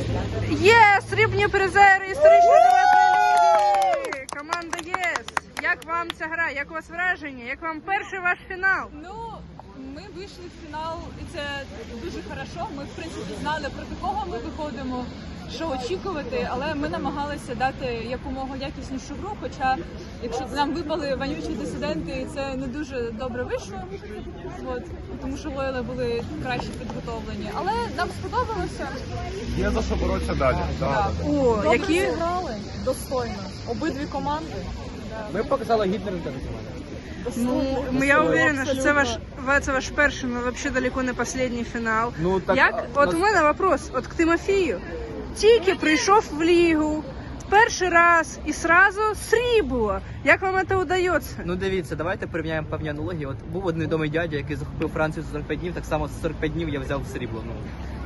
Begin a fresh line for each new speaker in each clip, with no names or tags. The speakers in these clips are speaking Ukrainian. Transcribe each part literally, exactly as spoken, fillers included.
Є срібні призери історичної ліги! Команда ЄС. Як вам ця гра? Як у вас враження? Як вам перший ваш фінал?
Ну, ми вийшли в фінал, і це дуже хорошо. Ми, в принципі, знали, проти кого ми виходимо, що очікувати, але ми намагалися дати якомога якіснішу гру, хоча, якщо нам випали вонючі дисиденти, це не дуже добре вийшло, от, тому що лойли були краще підготовлені. Але нам сподобалося.
Є за що боротися далі. Да.
О,
Добре
які...
зіграли, достойно. Обидві команди.
Ми показали гідний результат.
Ну, я уверена, що це ваш, це ваш перший, но вообще далеко не останній фінал.
Ну, так,
Як?
а,
От
нас-
у мене вопрос, от к Тимофію. Тільки прийшов в лігу, перший раз і сразу срібло. Як вам це вдається?
Ну дивіться, давайте порівняємо певні аналогії. От був один відомий дядя, який захопив Францію за сорок п'ять днів, так само за сорок п'ять днів я взяв срібло. Ну.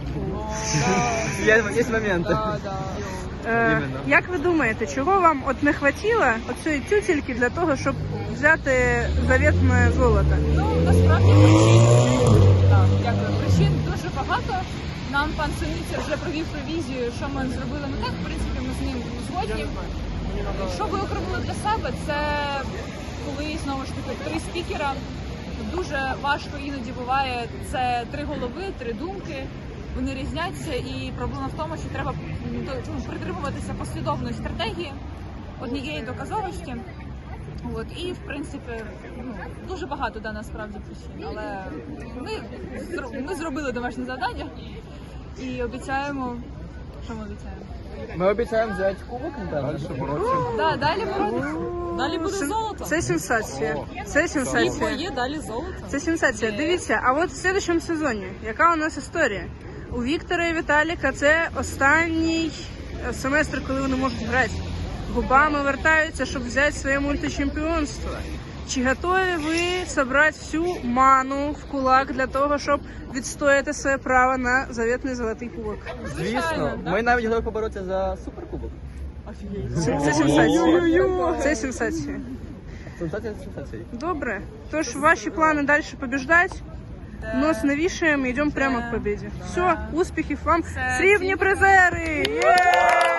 Є, є моменти.
Е,
Іменно.
як ви думаєте, чого вам от не хватило оцієї тютельки для того, щоб взяти завітне золото?
Ну, насправді причин, так, дякую. Причин дуже багато. Нам пан Синиця вже провів ревізію, що ми зробили не так. В принципі, ми з ним згодні. Що ви окремили для себе, це коли, знову ж таки, три спікера. Дуже важко іноді буває. Це три голови, три думки. Вони різняться, і проблема в тому, що треба ну, притримуватися послідовної стратегії, однієї доказовості. От, і, в принципі, ну, дуже багато да, насправді причин, але ми, ми зробили домашнє завдання і обіцяємо, що ми обіцяємо?
Ми обіцяємо взяти кубок, напевно.
Далі боротися.
Да, далі боротися. Далі буде
Сен-
золото.
Це сенсація. Це
Світло
сенсація.
є, далі золото.
Це сенсація. Дивіться, а от в следующому сезоні, яка у нас історія? У Віктора і Віталіка це останній семестр, коли вони можуть грати. Губами вертаються, щоб взяти своє мультичемпіонство. Чи готові ви зібрати всю ману в кулак для того, щоб відстояти своє право на завітний золотий кубок?
Звісно, ми навіть готові поборотися за суперкубок.
Це, це сенсація. Це сенсація.
Сенсація сенсації.
Добре. Тож ваші плани далі побіждати. Нос не вішаємо, йдемо прямо к победі. Все, успіхів вам.
Все,
Срібні
всім
призери! Є!